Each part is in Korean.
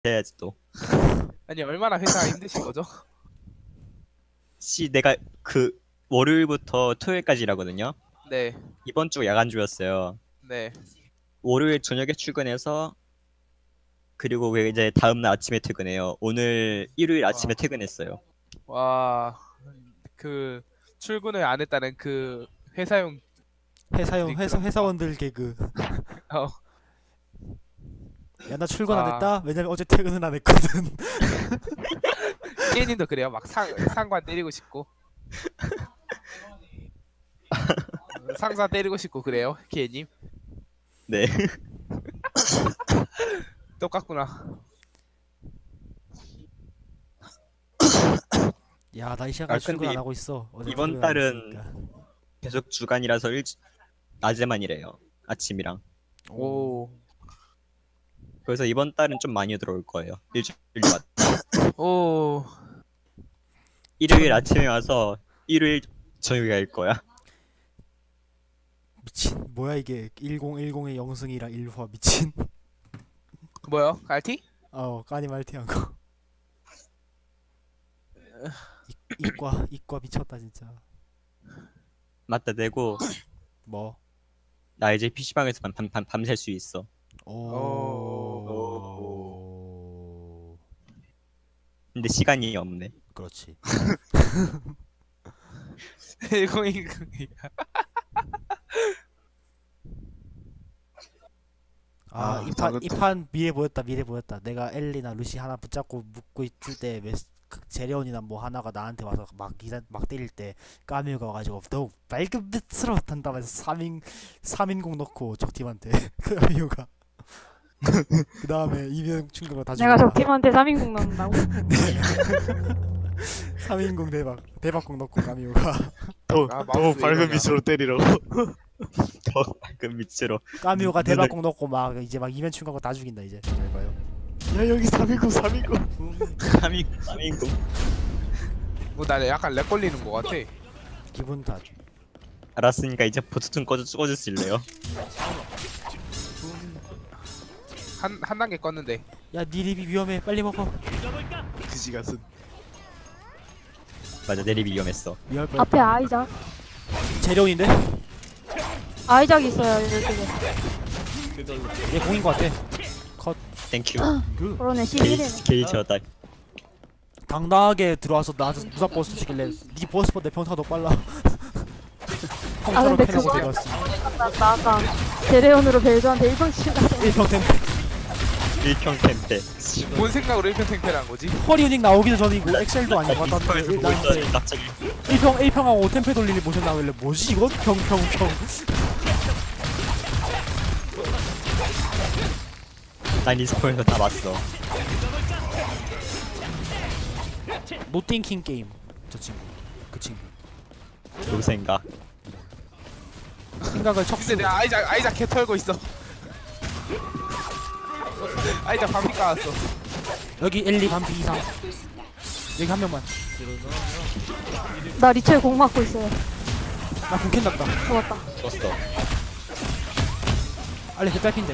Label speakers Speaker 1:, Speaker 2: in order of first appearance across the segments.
Speaker 1: 해야지 또.
Speaker 2: 아니 얼마나 회사가 힘드신 거죠?
Speaker 1: 내가 그 월요일부터 토요일까지라거든요.
Speaker 2: 네,
Speaker 1: 이번 주 야간주였어요.
Speaker 2: 네.
Speaker 1: 월요일 저녁에 출근해서 그리고 이제 다음 날 아침에 퇴근해요. 오늘 일요일 아침에 퇴근했어요.
Speaker 2: 와, 그 출근을 안 했다는 그 회사용
Speaker 3: 회사원들 개그.
Speaker 2: 어,
Speaker 3: 야 나 출근 안
Speaker 2: 와.
Speaker 3: 했다. 왜냐면 어제 퇴근은 안 했거든.
Speaker 2: K님도 그래요. 막 상관 때리고 싶고 상사 때리고 싶고 그래요, K님.
Speaker 1: 네.
Speaker 2: 똑같구나.
Speaker 3: 야 나 이 시간까지
Speaker 1: 아,
Speaker 3: 출근
Speaker 1: 근데
Speaker 3: 안 하고 있어. 어제
Speaker 1: 이번
Speaker 3: 퇴근 안
Speaker 1: 달은
Speaker 3: 했으니까.
Speaker 1: 계속 주간이라서 낮에만 일해요. 아침이랑.
Speaker 2: 오,
Speaker 1: 그래서 이번 달은 좀 많이 들어올 거예요. 일주일마다.
Speaker 2: 오,
Speaker 1: 일요일 아침에 와서 일요일 저녁에 갈 거야.
Speaker 3: 미친 뭐야 이게 1010의 영승이랑 일화 미친.
Speaker 2: 뭐요? 갈티?
Speaker 3: 까니 말티한 거. 이과 미쳤다 진짜.
Speaker 1: 맞다 대고
Speaker 3: 뭐?
Speaker 1: 나 이제 PC방에서 밤샐 수 있어.
Speaker 3: 오.
Speaker 1: 근데 시간이 없네.
Speaker 3: 그렇지.
Speaker 2: 1010.
Speaker 3: 아, 이판 미래 보였다. 내가 엘리나 루시 하나 붙잡고 묶고 있을 때 제레온이나 뭐 하나가 나한테 와서 막 때릴 때 까뮤가 와가지고 너 맑은 빛으로 한다면서 3인공 넣고 적팀한테 까뮤가 그 다음에 이면 충격을 다
Speaker 4: 내가
Speaker 3: 죽였다.
Speaker 4: 적팀한테 3인공 넣는다고?
Speaker 3: 3인공 대박공 넣고 까뮤가
Speaker 5: 더
Speaker 2: 마우스
Speaker 5: 밝은
Speaker 2: 이러냐.
Speaker 5: 빛으로 때리라고.
Speaker 1: 더 밝은 밑으로.
Speaker 3: 까뮤가 대박공 넣고 막 이제 막 이면 충격을 다 죽인다 이제. 잘 봐요.
Speaker 5: 야 여기 3인국
Speaker 1: 3인공.
Speaker 2: 나 약간 렉 걸리는 거 같아.
Speaker 3: 기분 탓.
Speaker 1: 알았으니까 이제 버튼 꺼줄 수 있래요.
Speaker 2: 한 단계 껐는데.
Speaker 3: 야 니 립이 위험해 빨리 먹어.
Speaker 5: 그지 같은.
Speaker 1: 맞아 내립이 위험했어.
Speaker 3: 위험할 뻔.
Speaker 4: 앞에 아이작.
Speaker 3: 제레온인데?
Speaker 4: 아이작 있어요, 이쪽에.
Speaker 3: 얘 공인 것 같아.
Speaker 1: 땡큐.
Speaker 4: 그러네, 11이네.
Speaker 1: 게이저다.
Speaker 3: 당당하게 들어와서 나한테 무사 버스 시길래 니 버스보다 내 평타가 더 빨라.
Speaker 4: 아, 근데
Speaker 3: 컴퓨터로
Speaker 4: 그거-
Speaker 3: 패놓고 들어왔어.
Speaker 4: 나 아까 제레온으로 벨조한테 1번 치다.
Speaker 3: 1평 템.
Speaker 1: 1평 템페.
Speaker 2: 뭔 생각으로 1편 탱패를 한 거지?
Speaker 3: 허리유닉 나오기도 전이고 엑셀도 아니고 같았는데 나한테
Speaker 1: 갑자기
Speaker 3: 1평하고 5템페 돌리니 모션 나오길래 뭐지 이건? 평.
Speaker 1: 난 리스폰에서 다 봤어.
Speaker 3: 노띵킹 게임. 저 친구. 그 친구.
Speaker 1: 요 생각.
Speaker 3: 생각을 척수.
Speaker 2: 근데 내가 아이작 개 털고 있어. 아이작 반피 까왔어.
Speaker 3: 여기 엘리 반피 이상. 여기 한 명만.
Speaker 4: 나 리첼 공 맞고 있어요.
Speaker 3: 나 공캔 났다.
Speaker 4: 좋았다.
Speaker 1: 줬어.
Speaker 3: 알레 개딸핀데.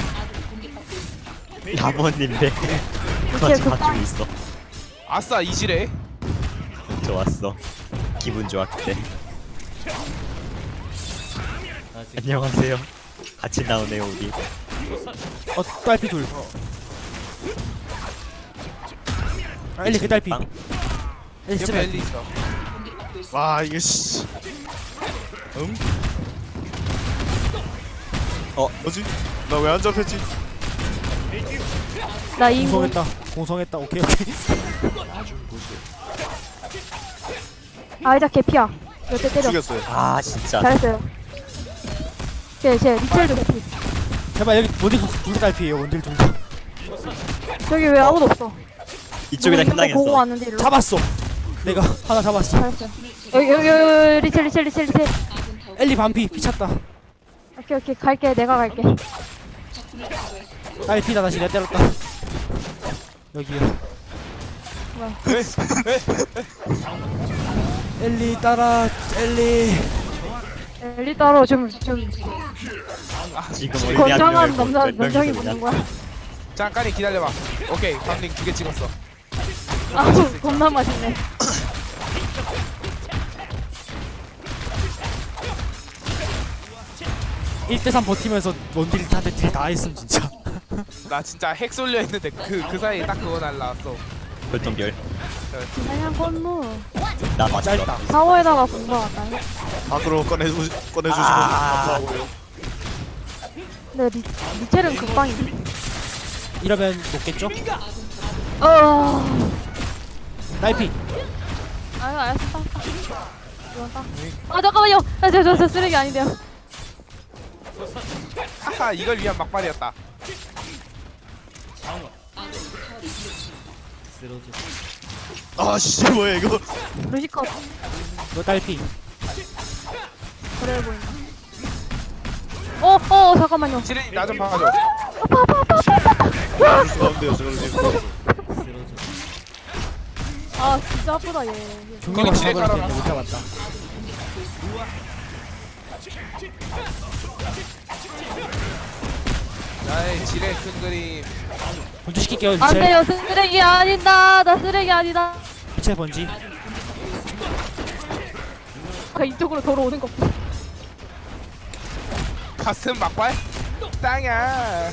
Speaker 1: 야번인데
Speaker 4: 리첼
Speaker 1: 같이
Speaker 4: 극단.
Speaker 1: 가지고 있어.
Speaker 2: 아싸 이지래.
Speaker 1: 좋았어. 기분 좋아 그때. 안녕하세요. 같이 나오네요 우리.
Speaker 3: 딸피 둘. 엘리 개딸피.
Speaker 1: 빵.
Speaker 3: 엘리 진짜
Speaker 2: 옆에
Speaker 3: 딸피.
Speaker 2: 엘리 있어.
Speaker 5: 와 이게 씨. 뭐지? 나 왜 안 잡혔지?
Speaker 4: 나 2인공.
Speaker 3: 공성했다. 오케이.
Speaker 4: 아이작 개피야. 몇 대 때려.
Speaker 5: 죽였어요.
Speaker 1: 아 진짜.
Speaker 4: 잘했어요. 쟤 리첼도 개피.
Speaker 3: 제발 여기 원딜 둘다 딸피예요. 원딜 둘 다.
Speaker 4: 저기 왜 아무도 없어?
Speaker 1: 이쪽에다
Speaker 4: 누구 있는 거 보고
Speaker 1: 현당했어.
Speaker 4: 왔는데 일로.
Speaker 3: 잡았어. 내가 하나 잡았어.
Speaker 4: 잘했어요. 여기 리첼.
Speaker 3: 엘리 반피 피찼다.
Speaker 4: 오케이 갈게. 내가 갈게.
Speaker 3: 딸피다 다시 내가 때렸다. 여기요. 엘리 따라 엘리.
Speaker 4: 엘리 따로 좀
Speaker 1: 지금 어린이
Speaker 4: 건장한
Speaker 1: 학교에
Speaker 4: 남자
Speaker 1: 몇 명이서
Speaker 4: 남성이
Speaker 1: 그냥
Speaker 4: 붙는 거야.
Speaker 2: 잠깐만 기다려봐. 오케이 방링 2개 찍었어.
Speaker 4: 아우 겁나 맛있네.
Speaker 3: 일대3 버티면서 원딜한테 딜 다 했음 진짜.
Speaker 2: 나 진짜 핵 쏠려 했는데 그 사이에 딱 그거 날라왔어.
Speaker 1: 별똥별.
Speaker 4: 그냥 건무.
Speaker 1: 나 맞다.
Speaker 3: 짧다.
Speaker 4: 사워에다가 공부하다.
Speaker 5: 밖으로 꺼내주시면
Speaker 1: 아.
Speaker 5: 감사하고요.
Speaker 4: 근데 리첼은 금방이지.
Speaker 3: 이러면 높겠죠? 나이피.
Speaker 4: 아유 알았어. 이건 딱. 아 잠깐만요. 저 쓰레기 아닌데요.
Speaker 2: 하하 이걸 위한 막발이었다.
Speaker 5: 아씨 뭐야 이거.
Speaker 4: 루시컷
Speaker 3: 너 딸피.
Speaker 4: 그래 보인다. 잠깐만요.
Speaker 2: 지린이 나 좀 봐줘.
Speaker 5: 가운데요 저걸 지금.
Speaker 4: 아 진짜 아프다 얘.
Speaker 3: 중력을
Speaker 2: 지뢰
Speaker 3: 잡아야
Speaker 2: 깔아놨어.
Speaker 3: 되는데 못 잡았다.
Speaker 2: 나의 지뢰 큰 그림.
Speaker 3: 번지시킬게요.
Speaker 4: 안
Speaker 3: 리첼.
Speaker 4: 돼요 쓰레기 아니다. 나 쓰레기 아니다.
Speaker 3: 리첼 번지.
Speaker 4: 이쪽으로 돌아오는 것 봐.
Speaker 2: 가슴 막발? 땅이야.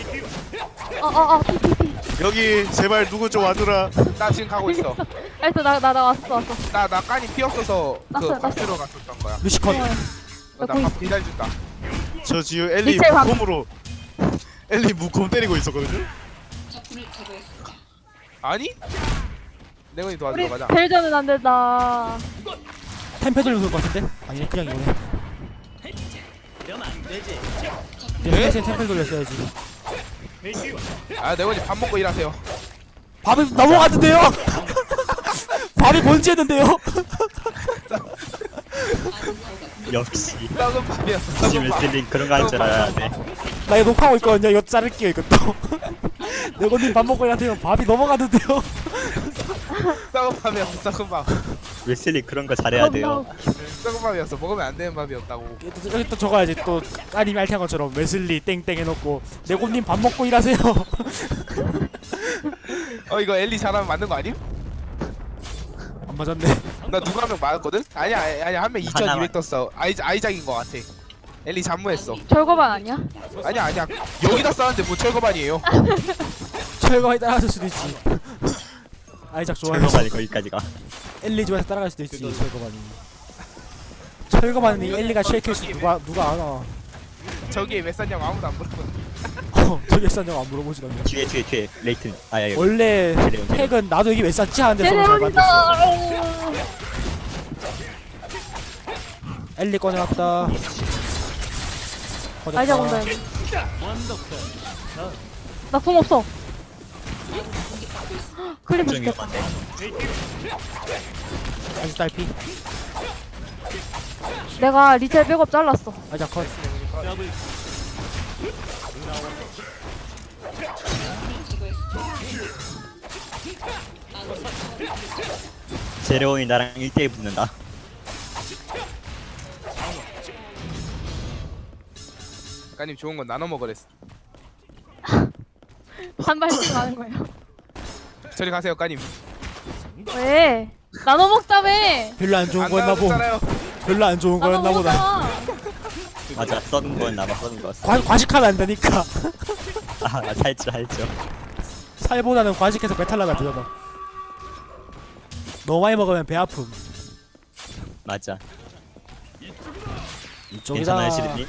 Speaker 4: 피피피.
Speaker 5: 여기 제발 누구 좀 와주라.
Speaker 2: 나 지금 가고 있어.
Speaker 4: 알았어 나 왔어.
Speaker 2: 나 깐이 피 없어서 그
Speaker 4: 났어요,
Speaker 2: 박스로 갔었던 거야.
Speaker 3: 루시컷.
Speaker 4: 나
Speaker 2: 나
Speaker 4: 거기
Speaker 2: 밥 기다려준다.
Speaker 5: 저 지금 엘리
Speaker 4: 리첼 방-
Speaker 5: 무콤으로 엘리 무콤 때리고 있었거든요.
Speaker 2: 아니? 내건이
Speaker 4: 우리
Speaker 2: 도와주러 가자.
Speaker 4: 벨전은 안 된다.
Speaker 3: 템페 돌려서 것 같은데? 아니네 그냥 이거네.
Speaker 2: 네?
Speaker 3: 템페 돌렸어야지.
Speaker 2: 아 내건이 밥 먹고 일하세요.
Speaker 3: 밥이 넘어갔는데요? 밥이 번지했는데요?
Speaker 1: 역시.
Speaker 2: 썩은 밥이었어.
Speaker 1: 역시
Speaker 2: 썩은 밥.
Speaker 1: 웨슬링 그런 거 할 줄 알아야 돼.
Speaker 3: 나 이거 녹화하고 있거든요. 이거 자를게요 이것도. 내건님 밥 먹고 일하세요. 밥이 넘어갔는데요?
Speaker 2: 썩은 밥이었어. 썩은 밥.
Speaker 1: 웨슬링 그런 거 잘해야 돼요.
Speaker 2: 썩은 밥이었어. 먹으면 안 되는 밥이었다고.
Speaker 3: 여기 또 적어야지. 또 까님이 알텐 것처럼 웨슬리 땡땡 해놓고 내건님 밥 먹고 일하세요.
Speaker 2: 이거 엘리 잘하면 맞는 거 아님?
Speaker 3: 안 맞았네.
Speaker 2: 나 누가 한 명 맞았거든? 아니야 한 명 2200 떴어. 아이작인 거 같아. 엘리 잠무했어.
Speaker 4: 절거반 아니야?
Speaker 2: 아니야 여기다 싸는데 뭐 철거반이에요.
Speaker 3: 철거에 따라갈 수도 있지. 아이작 좋아해.
Speaker 1: 철거반이 거기까지 가.
Speaker 3: 엘리 좋아해서 따라갈 수도 있지. 철거반이. 철거반이 엘리가 쉐이크스 누가 알아?
Speaker 2: 저기에 왜 쌌냐고 아무도 안 물어보는.
Speaker 3: 저기 싼냐고 안 물어보지도 않네.
Speaker 1: 뒤에 레이튼. 아야
Speaker 3: 원래
Speaker 1: 제레온.
Speaker 3: 핵은 나도 여기 왜 쌌지 하는데 서로 잘 만들었어.
Speaker 4: 제레온이다.
Speaker 3: 엘리 꺼내놨다.
Speaker 4: 아이작 온다 여기. 나 공 없어. 클리프
Speaker 1: 좀
Speaker 4: 죽겠다.
Speaker 1: 위험한데.
Speaker 3: 아직 딸피.
Speaker 4: 내가 리첼 백업 잘랐어.
Speaker 3: 아이작 컷.
Speaker 1: 제레온이 나랑 1대1 붙는다.
Speaker 2: 작가님 좋은 건 나눠 먹으랬어.
Speaker 4: 한 발씩 하는 거예요.
Speaker 2: 저리 가세요 까님.
Speaker 4: 왜? 나눠 먹자며.
Speaker 3: 별로 안 좋은
Speaker 2: 안
Speaker 3: 거였나 보.
Speaker 2: 나눠줬잖아요.
Speaker 3: 별로 안 좋은
Speaker 4: 나눠
Speaker 3: 거였나 보다.
Speaker 4: 먹자.
Speaker 1: 맞아. 썩은 건 나만 썩은 거였어.
Speaker 3: 과식하면 안 되니까.
Speaker 1: 아 살죠.
Speaker 3: 살보다는 과식해서 배탈 나면 되잖아. 너무 많이 먹으면 배 아픔.
Speaker 1: 맞아.
Speaker 3: 이쪽이다.
Speaker 1: 괜찮아요 시드니?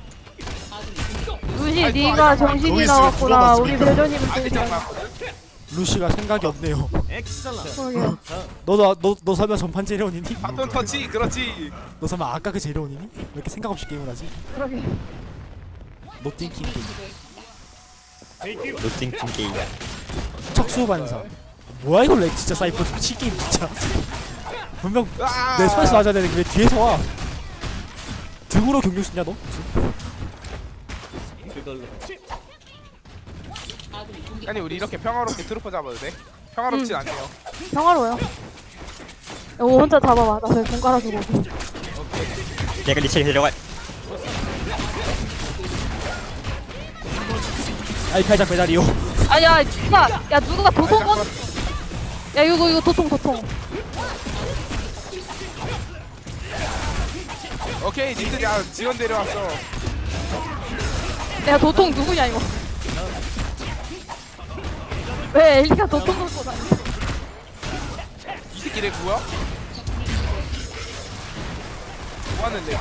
Speaker 4: 루시
Speaker 2: 아니,
Speaker 4: 네가
Speaker 2: 아니,
Speaker 4: 정신이
Speaker 5: 거기 있으면
Speaker 4: 나왔구나.
Speaker 5: 물어봤으면
Speaker 4: 우리 벨전님은
Speaker 2: 안돼
Speaker 4: 또
Speaker 2: 잠깐.
Speaker 3: 루시가 생각이 없네요.
Speaker 4: 그러게요.
Speaker 3: 너 설마 전판 제레온이니?
Speaker 2: 바톤 터치 그렇지.
Speaker 3: 너 설마 아까 그 제레온이니? 왜 이렇게 생각 없이 게임을 하지?
Speaker 4: 그러게.
Speaker 3: 노띵킹 게임.
Speaker 1: 노팅팀 게임.
Speaker 3: 척수반사. 뭐야 이거 렉 진짜 사이퍼 미친 게임 진짜. 분명
Speaker 2: 아!
Speaker 3: 내 손에서 맞아야 되는데 왜 뒤에서 와? 등으로 경력 쓰냐 너?
Speaker 2: 아니 우리 이렇게 평화롭게 트루퍼 잡아도 돼? 평화롭진 않네요.
Speaker 4: 평화로워요. 이거 혼자 잡아봐. 나 저기 공 깔아주고.
Speaker 1: 내가 리첼 데려갈.
Speaker 3: 아이 팔작 배달이요.
Speaker 4: 아니야 누가 도통 건? 야 이거 도통.
Speaker 2: 오케이 님들 야 지원 데려왔어.
Speaker 4: 내가 도통 누구냐 이거? 왜 엘리가 도통 걸고 다니?
Speaker 2: 이 새끼 내 뭐야? 뭐 하는데?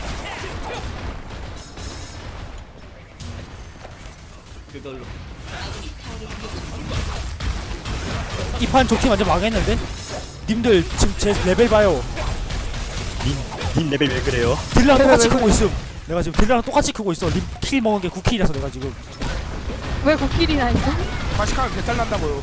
Speaker 3: 이 판 좋게 완전 망했는데? 님들 지금 제 레벨 봐요.
Speaker 1: 님 레벨 왜 그래요?
Speaker 3: 딜랑 똑같이 크고 있음. 내가 지금 딜랑 똑같이 크고 있어. 님 킬 먹은 게 9킬이라서 내가 지금.
Speaker 4: 왜 9킬이나 있어?
Speaker 2: 과식하면 배탈 난다고요.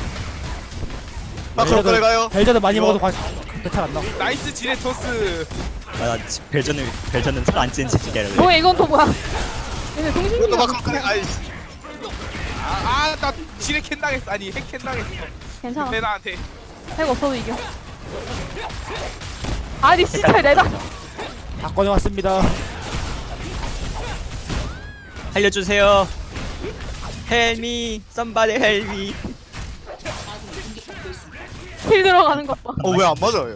Speaker 5: 아 그럼 그래 가요.
Speaker 3: 벨저드 많이
Speaker 5: 이거-
Speaker 3: 먹어도 배탈 안 나.
Speaker 2: 나이스 지레토스.
Speaker 1: 아, 벨전은 살 안 찌는 집이게 하려.
Speaker 4: 뭐야 이건 또 뭐야? 얘네
Speaker 5: 이것도
Speaker 4: 동신이야.
Speaker 5: 막 그래. 아이
Speaker 2: 나 지레 캔 당했어. 아니 핵 캔 당했어.
Speaker 4: 괜찮아.
Speaker 2: 내 나한테.
Speaker 4: 핵 없어도 이겨. 아니 진짜 내가
Speaker 3: 다 꺼내왔습니다.
Speaker 1: 알려주세요. 헬미, somebody help me.
Speaker 4: 킬 들어가는 것 봐.
Speaker 5: 왜 안 맞아요?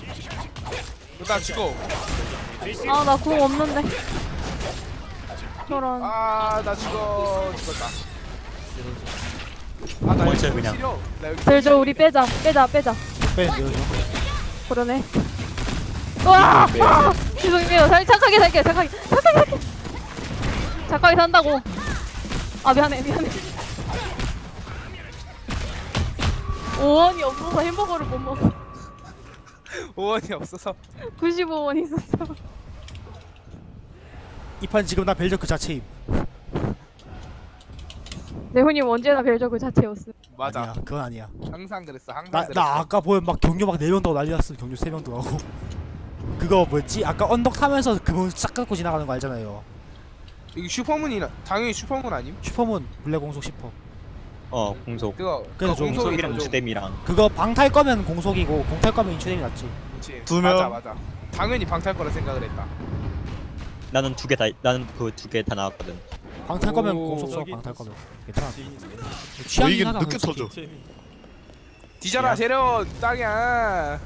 Speaker 2: 나 죽어.
Speaker 4: 아 나 궁 없는데. 저런.
Speaker 2: 나 죽었다. 나
Speaker 1: 먼저
Speaker 2: 여기
Speaker 1: 그냥.
Speaker 2: 싫어. 나 여기
Speaker 4: 벨저 우리 빼자.
Speaker 3: 빼, 내려줘.
Speaker 4: 그러네. 와! 아! 죄송해요. 착하게 살게. 착하게 산다고. 아 미안해. 5원이 없어서 햄버거를 못 먹어.
Speaker 2: 5원이 없어서.
Speaker 4: 95원 있었어.
Speaker 3: 이 판 지금 나 벨저 그 자체임.
Speaker 4: 네훈님 언제나 벨저 그 자체였어.
Speaker 2: 맞아.
Speaker 3: 아니야, 그건 아니야.
Speaker 2: 항상 그랬어. 항상
Speaker 3: 나
Speaker 2: 그랬어.
Speaker 3: 아까 보면 막 경유 막 4명 더 난리 났어. 경유 3명 더 하고. 그거 뭐였지? 아까 언덕 타면서 그분 싹 깎고 지나가는 거 알잖아요.
Speaker 2: 이거 슈퍼문이나 당연히 슈퍼문 아님?
Speaker 3: 슈퍼문 블랙 공속 10%.
Speaker 1: 공속.
Speaker 2: 그거
Speaker 3: 그래서 좀
Speaker 2: 공속이
Speaker 1: 공속이랑
Speaker 2: 좀-
Speaker 1: 주댐이랑.
Speaker 3: 그거 방탈 거면 공속이고 공탈 거면 인추뎀이 낫지.
Speaker 2: 그치.
Speaker 5: 두 명.
Speaker 2: 맞아. 당연히 방탈 거라 생각을 했다.
Speaker 1: 나는 그 두 개 다 나왔거든.
Speaker 3: 방탈 거면
Speaker 2: 오.
Speaker 3: 공속 써. 방탈 거면 괜찮아.
Speaker 5: 뭐
Speaker 3: 취향이
Speaker 5: 이게
Speaker 3: 하나
Speaker 5: 늦게
Speaker 3: 솔직히.
Speaker 5: 터져.
Speaker 2: 뒤져라 재련 땅이야.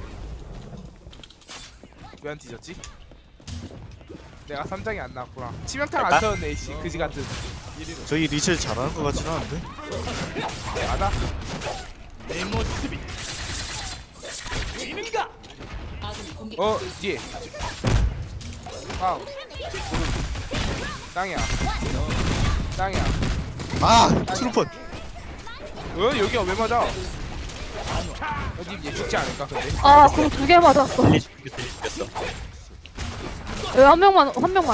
Speaker 2: 왜 안 뒤졌지? 내가 3장이 안 나왔구나. 치명타를 안
Speaker 1: 할까?
Speaker 2: 쳤네 씨 그지 같은.
Speaker 5: 저희 리첼 잘하는 것 같지는 않은데.
Speaker 2: 맞아. 뒤에. 와우. 땅이야.
Speaker 5: 트루펀.
Speaker 2: 여기가 왜 맞아? 님얘 죽지 않을까 근데?
Speaker 4: 아 궁 2개 맞았어.
Speaker 1: 일리 죽였어.
Speaker 4: 여기 한 명만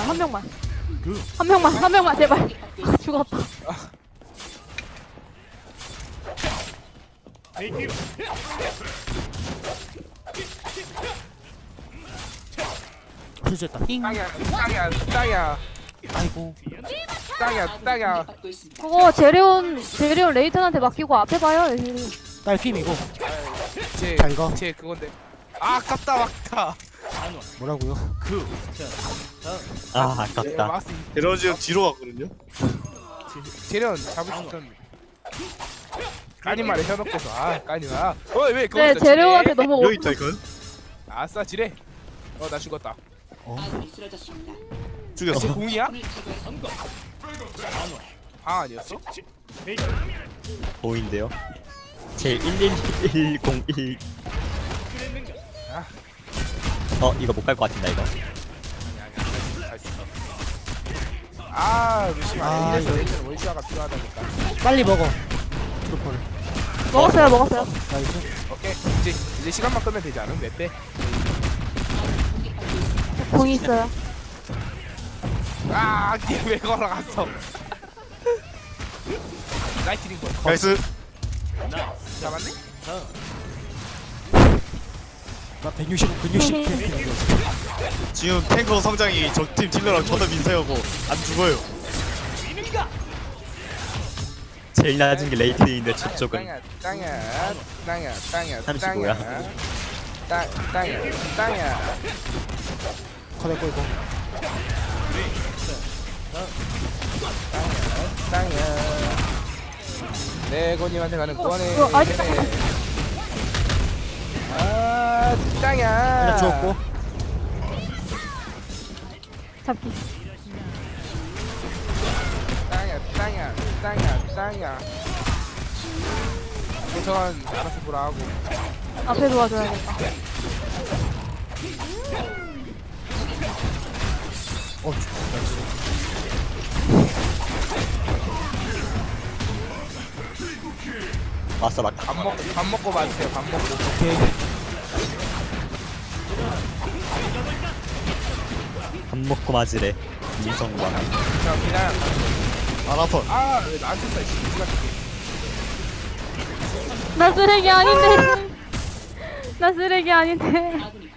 Speaker 4: 제발. 죽었다.
Speaker 3: 실수했다. 힝.
Speaker 2: 땅이야.
Speaker 3: 아이고.
Speaker 2: 땅이야.
Speaker 4: 그거 제레온 레이튼한테 맡기고 앞에 봐요.
Speaker 3: 딸핌이고.
Speaker 2: 제
Speaker 3: 자, 이거.
Speaker 2: 제 그건데. 아깝다 막다.
Speaker 3: 뭐라고요?
Speaker 1: 아깝다.
Speaker 2: 마스
Speaker 5: 에너지 형 뒤로 갔거든요.
Speaker 2: 재련 잡을 수 있었는데. 까니 말에 현혹돼서 까니나. 왜 그거
Speaker 4: 네
Speaker 2: 있어,
Speaker 4: 제레온한테
Speaker 2: 지뢰?
Speaker 4: 너무
Speaker 5: 여기 있다 이건.
Speaker 2: 아싸 지뢰. 나 죽었다. 쟤
Speaker 5: 죽였어.
Speaker 2: 공이야? 방 아니었어?
Speaker 1: 보인데요. 제 111101. 이거 못 갈 것 같은다 이거.
Speaker 2: 루시만
Speaker 3: 아,
Speaker 2: 이래서
Speaker 3: 이거.
Speaker 2: 레이저는 월슈아가 필요하다니까.
Speaker 3: 빨리 먹어. 트루퍼를.
Speaker 4: 먹었어요.
Speaker 3: 나이스.
Speaker 2: 오케이 이제 시간만 끄면 되지 않음? 왜 빼?
Speaker 4: 궁이 있어요.
Speaker 2: 왜 걸어갔어? 라이트닝 볼
Speaker 5: 나이스.
Speaker 2: 잡았네?
Speaker 3: 나 160 캠핑.
Speaker 5: 지금 탱커 성장이 적팀 딜러랑 존나 민폐하고 안 죽어요.
Speaker 1: 제일 낮은 게 레이튼인데 저쪽은
Speaker 2: 땅이야
Speaker 1: 35야.
Speaker 2: 땅이야
Speaker 3: 커넥 끌고.
Speaker 2: 땅이야 내고님한테 가는 권해.
Speaker 4: 아,
Speaker 2: 아, 땅이야.
Speaker 3: 하나 주웠고.
Speaker 4: 잡기.
Speaker 2: 땅이야. 저건 알아서 보라 하고.
Speaker 4: 앞에 도와줘야겠다.
Speaker 1: 맞어 맞다.
Speaker 2: 밥 먹고 봐주세요. 밥 먹고.
Speaker 3: 오케이.
Speaker 1: 밥 먹고 맞으래. 미성과.
Speaker 2: 자, 그냥.
Speaker 5: 안 아파.
Speaker 2: 아, 왜 나한테 쏴?
Speaker 4: 나 쓰레기 아닌데. 나 쓰레기 아닌데.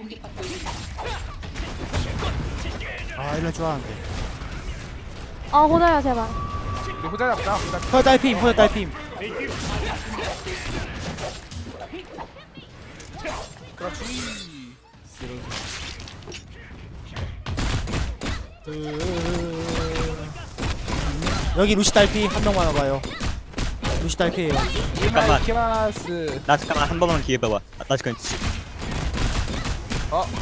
Speaker 3: 아 이럴 줄 알았는데.
Speaker 4: 아 호자야 제발.
Speaker 2: 우리 호자 잡자. 호자.
Speaker 3: 헐 딸핌 헐 딸핌.
Speaker 2: 그렇지.
Speaker 3: 여기 루시 딸피 한 명만 와봐요. 루시 딸피예요.
Speaker 1: 잠깐만.
Speaker 2: 이마이키마스.
Speaker 1: 나 잠깐만 한 번만 기회 봐봐. 나 지금.
Speaker 2: 어?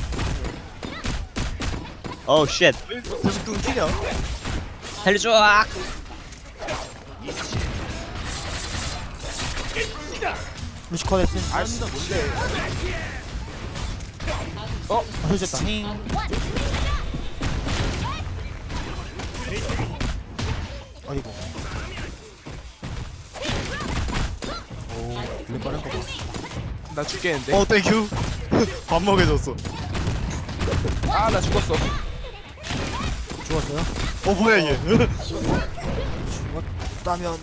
Speaker 1: 오 쉣.
Speaker 5: 계속 끊기냐?
Speaker 1: 살려줘.
Speaker 3: 루시 컷했음.
Speaker 2: 아씨, 뭔데?
Speaker 3: 아 힐졌다. 어이구. 오, 왜 빠른 거 봐.
Speaker 2: 나 죽겠는데?
Speaker 5: 땡큐. 밥 먹여줬어.
Speaker 2: 아, 나 죽었어.
Speaker 3: 죽었어요?
Speaker 5: 뭐야 이게?
Speaker 3: 죽었다면.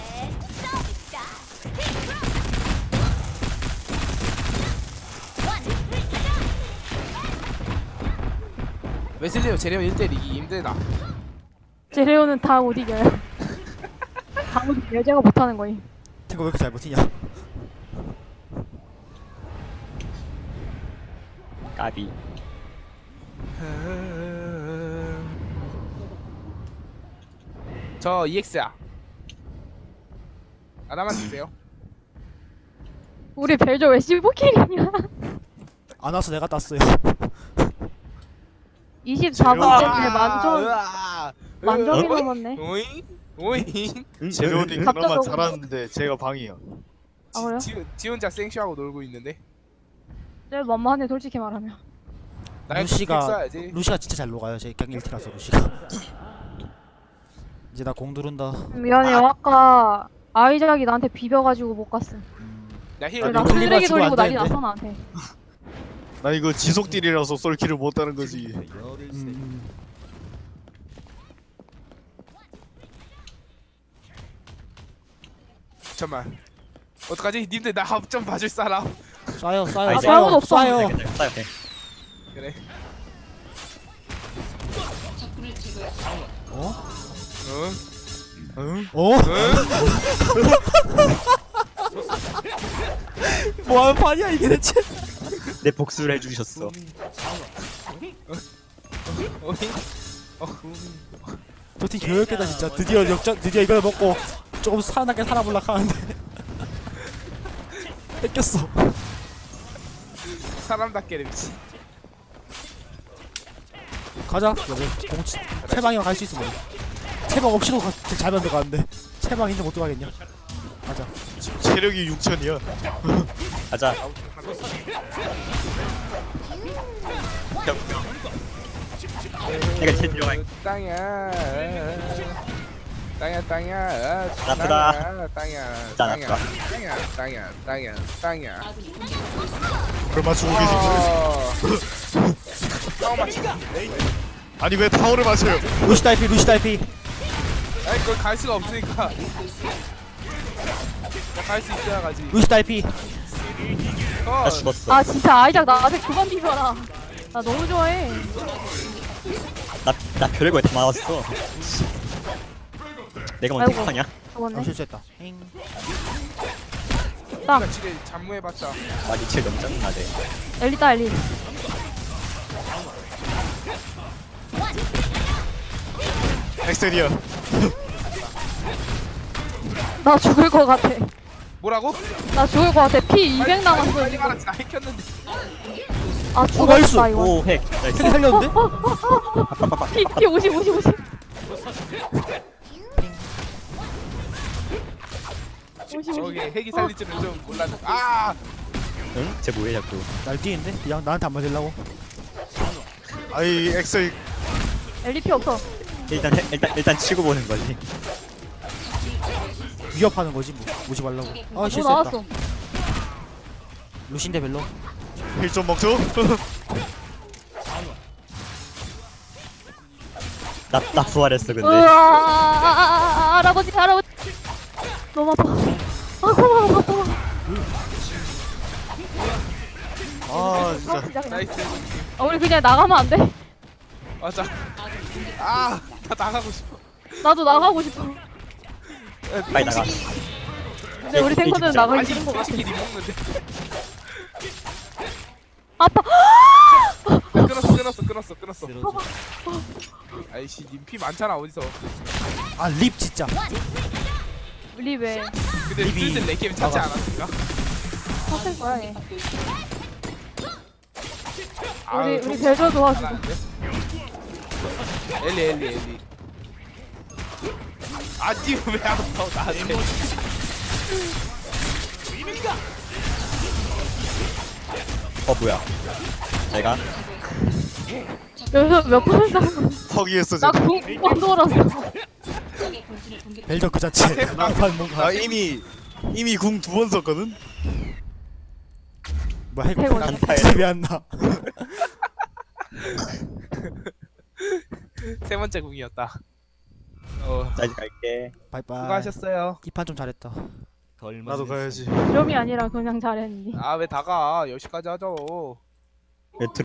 Speaker 2: 웨슬리오 제레온 1대1 이기기 힘들다.
Speaker 4: 제레오는 다 못 이겨요. 다 못 이겨요. 제가 못하는 거임.
Speaker 3: 탱거 왜 이렇게 잘 버티냐?
Speaker 1: 까비.
Speaker 2: 저 EX야. 하나만 주세요.
Speaker 4: 우리 벨저 왜 15킬이냐?
Speaker 3: 안 와서 내가 땄어요.
Speaker 4: 24번째인데 만점
Speaker 2: 으아.
Speaker 4: 만점이
Speaker 2: 으아.
Speaker 4: 넘었네.
Speaker 2: 오잉? 오잉?
Speaker 5: 재료님
Speaker 4: 갑자기
Speaker 5: 그나마
Speaker 4: 오고.
Speaker 5: 잘하는데 제가 방이야.
Speaker 4: 아 그래요?
Speaker 2: 지 혼자 생쇼하고 놀고 있는데.
Speaker 4: 제일 만만해 솔직히 말하면.
Speaker 2: 나의
Speaker 3: 루시가
Speaker 2: 써야지.
Speaker 3: 루시가 진짜 잘 녹아요. 제 그냥 1티라서 루시가. 이제 나 공 누른다.
Speaker 4: 미안해요. 아까 아이작이 나한테 비벼가지고 못 갔음.
Speaker 2: 나 힐.
Speaker 3: 아,
Speaker 4: 나
Speaker 3: 클리버
Speaker 4: 쓰레기
Speaker 3: 주고
Speaker 4: 돌리고
Speaker 3: 안
Speaker 4: 난리
Speaker 3: 되는데?
Speaker 4: 났어 나한테.
Speaker 5: 나 이거 지속딜이라서 쏠킬을 못하는 거지.
Speaker 2: 잠깐만. 어떡하지? 님들 나 합 좀 봐줄 사람.
Speaker 3: 쏴요 쏴요
Speaker 1: 아,
Speaker 4: 이제 아무도 없어.
Speaker 3: 쏴요.
Speaker 1: 괜찮아. 네.
Speaker 2: 그래.
Speaker 3: 어?
Speaker 2: 응?
Speaker 5: 응?
Speaker 3: 어? 뭐하는 판이야 이게 대체?
Speaker 1: 내 복수를 해주셨어.
Speaker 2: 오잉?
Speaker 3: 저팀 교육했다 진짜. 드디어 역전 드디어 이걸 먹고 조금 살아나게 살아볼라 하는데 뺏겼어.
Speaker 2: 사람답게 미친.
Speaker 3: 가자. 채방이랑 갈 수 있어. 뭐. 채방 없이도 잘 만들어가는데 채방 있는데 못 들어가겠냐? 가자.
Speaker 5: 체력이 6천이야.
Speaker 1: 가자. 내가 제일 들어가.
Speaker 2: 땅이야. 땅이야.
Speaker 1: 나쁘다.
Speaker 2: 땅이야.
Speaker 1: 나쁘다.
Speaker 2: 땅이야.
Speaker 5: 그걸 맞추고 계신데?
Speaker 2: 형 맞추.
Speaker 5: 아니 왜 타워를 맞춰요?
Speaker 3: 루시 딸피 루시 딸피.
Speaker 2: 아니 그걸 갈 수가 없으니까. 갈 수 있어야 가지.
Speaker 3: 루시 딸피.
Speaker 1: 나 죽었어.
Speaker 4: 아 진짜 아이작 나한테 그만 비벼라. 나 너무 좋아해.
Speaker 1: 나 별거 다 맞았어. 내가 먼저
Speaker 4: 아이고.
Speaker 1: 하냐?
Speaker 4: 죽었네.
Speaker 3: 실수했다. 행.
Speaker 2: 우리가 지뢰 잠무해봤자.
Speaker 1: 나 리첼 너무 짜증나네.
Speaker 4: 엘리다 엘리.
Speaker 5: 엑셀이야.
Speaker 4: 나 죽을 것 같아.
Speaker 2: 뭐라고?
Speaker 4: 나 죽을 것 같아. 피 200 남았어
Speaker 2: 빨리
Speaker 4: 지금.
Speaker 2: 가라. 나 해켰는데.
Speaker 4: 아
Speaker 3: 나이스.
Speaker 4: 죽었다 이거.
Speaker 1: 오 핵. 나이스.
Speaker 3: 핵 살렸는데?
Speaker 4: 피 50 50 50. 50
Speaker 2: 저기
Speaker 4: 50.
Speaker 2: 핵이 살릴 줄은 좀 몰랐네. 아!
Speaker 1: 응? 쟤 뭐해 자꾸.
Speaker 3: 날뛰는데? 그냥 나한테 안 맞으려고?
Speaker 5: 아이 엑셀
Speaker 4: 엘리 없어.
Speaker 1: 일단 치고 보는 거지.
Speaker 3: 위협하는 거지 뭐 오지 말라고. 아
Speaker 4: 뭐
Speaker 3: 실수했다.
Speaker 4: 나왔어.
Speaker 3: 루신데 별로.
Speaker 5: 힐좀 먹죠?
Speaker 1: 나 부활했어 근데.
Speaker 4: 으아 할아버지 할아버지. 너무 아파. 아파 아파.
Speaker 5: 아 진짜
Speaker 4: 진짜 그냥.
Speaker 2: 나이스.
Speaker 4: 우리 그냥 나가면 안 돼?
Speaker 2: 맞아. 아! 나 나가고 싶어.
Speaker 4: 나도 나가고 싶어.
Speaker 1: 빨리 나가.
Speaker 4: 근데 우리 탱커들은 나가기
Speaker 2: 아니
Speaker 4: 싫은 것 같아.
Speaker 2: 솔직히 니 먹는데.
Speaker 4: 아파.
Speaker 2: 끊었어. 아이씨 님 피 많잖아 어디서.
Speaker 3: 아 립 진짜.
Speaker 4: 우리 왜
Speaker 2: 근데
Speaker 3: 립이
Speaker 2: 슬슬 내 게임 찾지
Speaker 3: 나가.
Speaker 2: 않았을까?
Speaker 4: 샀을 거야 얘.
Speaker 2: 아유,
Speaker 4: 우리
Speaker 2: 좀
Speaker 4: 벨저 도와주고.
Speaker 2: 잘하는데? 엘리. 아, 니왜안 왔어 나한테?
Speaker 1: 뭐야. 내가
Speaker 4: 여기서 몇 번을 싸운 거야?
Speaker 5: 허기했어
Speaker 4: 나
Speaker 5: 지금.
Speaker 4: 궁 돌았어.
Speaker 3: 벨저 그 자체. 이판 뭔가.
Speaker 5: 나 이미 궁 2번 썼거든.
Speaker 3: 뭐 핵.
Speaker 4: 해골.
Speaker 3: 집에 안 나.
Speaker 2: 세 번째 궁이었다.
Speaker 1: 나 이제 갈게.
Speaker 3: 바이바이.
Speaker 2: 수고하셨어요.
Speaker 3: 이 판 좀 잘했다.
Speaker 5: 나도 가야지.
Speaker 4: 이름이 아니라 그냥 잘했니.
Speaker 2: 아 왜 다가 10시까지 하죠.
Speaker 1: 왜